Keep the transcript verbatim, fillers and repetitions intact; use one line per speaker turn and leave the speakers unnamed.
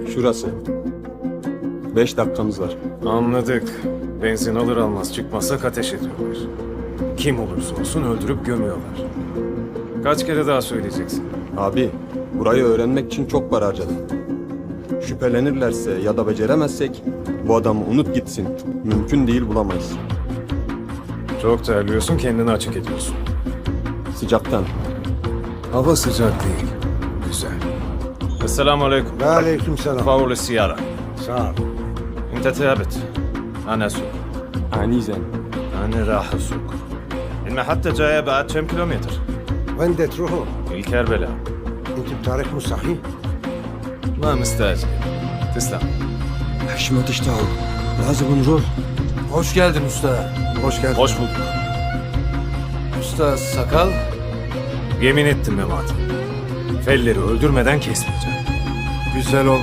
Şurası. Beş dakikamız var.
Anladık. Benzin alır almaz çıkmazsak ateş ediyorlar. Kim olursa olsun öldürüp gömüyorlar. Kaç kere daha söyleyeceksin?
Abi, burayı öğrenmek için çok para harcadım. Şüphelenirlerse ya da beceremezsek bu adamı unut gitsin. Mümkün değil, bulamayız.
Çok terliyorsun, kendini açık ediyorsun.
Sıcaktan.
Hava sıcak değil. Güzel. Esselamu aleyküm.
وعليكم السلام.
فور السيارة.
صار.
انت ثابت. انا اسوق.
Anizen.
انا راح اسوق. المحطة جاية بعد كم كيلومتر؟
وين بدك تروحوا؟
الكربلاء.
انتم بتاريخ مستحيل.
ما مستعجل. تسلم.
حشمة تشتغل. لازم نروح.
Hoş geldin usta.
Hoş geldin.
Hoş bulduk.
Usta sakal.
Yemin ettim Memati. Felleri öldürmeden kesmeyeceğim.
Güzel oldu.